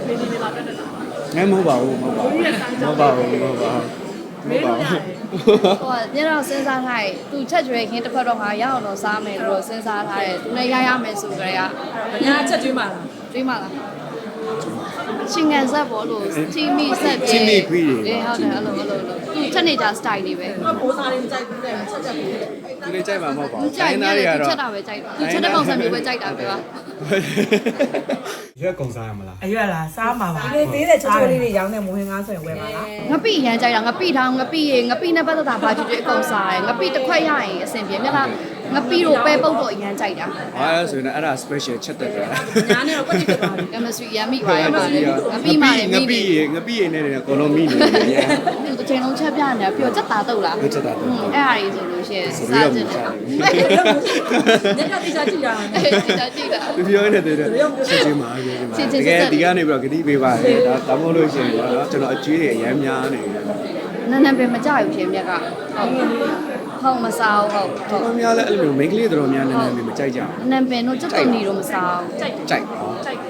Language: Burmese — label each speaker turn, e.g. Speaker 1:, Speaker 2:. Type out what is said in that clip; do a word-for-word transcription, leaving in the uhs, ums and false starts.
Speaker 1: နေနေလာတက်တာ
Speaker 2: ငဲမဟုတ်ပါဘူးမဟုတ်ပါဘူးမဟုတ်ပါဘူးမဟုတ်ပါဘူးမဟုတ်ပါဘူး
Speaker 3: ဟိုညတော့စဉ်းစားထားတယ်သူချက်ကျွေးခင်းတစ်ဖက်တော့ငါရအောင်တော့စားမယ်လို့စဉ်းစားထားတယ်သူလည်းရရမယ်ဆိုကြရ
Speaker 1: ။ညာချက်ကျွေးမှလား
Speaker 3: တွေးမှလားရှင်ငံဆက်ပေါ်လို့တီမီဆက်ပြီး
Speaker 2: ချီမီခွေးတွေ
Speaker 3: အေးဟုတ်တယ်အဲ့လိုအဲ့လိုသူချက်နေကြ style တွေပဲ
Speaker 1: ။ဘာပိုးစားလေးမကြိုက်ဘူးတဲ့ချက်ချက်ပြီးတယ်
Speaker 2: သူလေးကြိုက်မှာမဟုတ်ပါ
Speaker 3: သူ
Speaker 2: ဘူး
Speaker 3: ကြိုက်
Speaker 2: သား
Speaker 3: နေ
Speaker 2: တွေ
Speaker 3: တယ်သူ
Speaker 2: ကတော့
Speaker 3: ချက်တာပဲကြိုက်တာသူချက်တဲ့ပုံစံမျိုးပဲကြိုက်တာပဲပါ
Speaker 2: ရွက်ကုံစားရမလား
Speaker 4: အရွက်လားစားမှာပါ
Speaker 5: ဒီလေးသေးတဲ့ချိုးချိုးလေးတွေရောင်းတဲ့မဝင်ငါဆိုရင်ဝယ်ပါလား
Speaker 3: ငပိရမ်းကြိုက်တာငပိထောင်ငပိရေငပိနဲ့ပတ်သက်တာဘာကြည့်ကြည့်အကုန်စားတယ်ငပိတစ်ခွက်ရရင်အဆင်ပြေမြတ်လားငပိတို့ပဲပုတ်တော့အရမ်းကြိုက်တာ
Speaker 2: ဟာဆိုရင်အဲ့ဒါ special ချက်တက်တယ်
Speaker 1: ။ညာနဲ့တော့ကွက်တိဖြစ်သွားပြီ
Speaker 3: ကမစထရီရမ်းမိပါရဲ့ပါလေငပိမှလည်း
Speaker 2: င
Speaker 3: မိ
Speaker 2: ပိ
Speaker 3: နေ
Speaker 2: ရေငပိရေနဲ့အကုန်လုံးမိနေတယ်
Speaker 3: သူတစ်ချိန်လုံးချက်ပြနေပြီးတော့ချက်သားတုတ်လား
Speaker 2: ဟုတ်ချက်တာတော့
Speaker 3: အဲ့ဟာကြီးဆိုလို့ရှိရင်စားကြည့်တယ်
Speaker 1: ။ညကတိကျကြည့်တာ
Speaker 3: အဲ့ဒီကြည့်တာ
Speaker 2: သူပြောနေတဲ့တဲ့ချက်ချင်းမှာပြောချင်းမှာတကယ်ဒီကနေပြီးတော့ဂတိပေးပါလေဒါဒါမှမဟုတ်လို့ရှိရင်တော့ကျွန်တော်အကျွေးတွေအများများနေတယ်
Speaker 3: နန်းနန်းပင်မကြဘူးရှင်မြက်ကဟုတ်ဟုတ်မစားဘူးဟုတ်ဟုတ်
Speaker 2: တော်များလည်းအဲ့လိုမျိုး main ကလေးတော်များနည်းနည်းလေးမကြိုက်ကြဘူး
Speaker 3: နန်းပင်တို့ချက်တုတ်နေတော့မစားဘူး
Speaker 1: ။ကြိုက်
Speaker 2: ကြိုက်
Speaker 1: ကြိုက်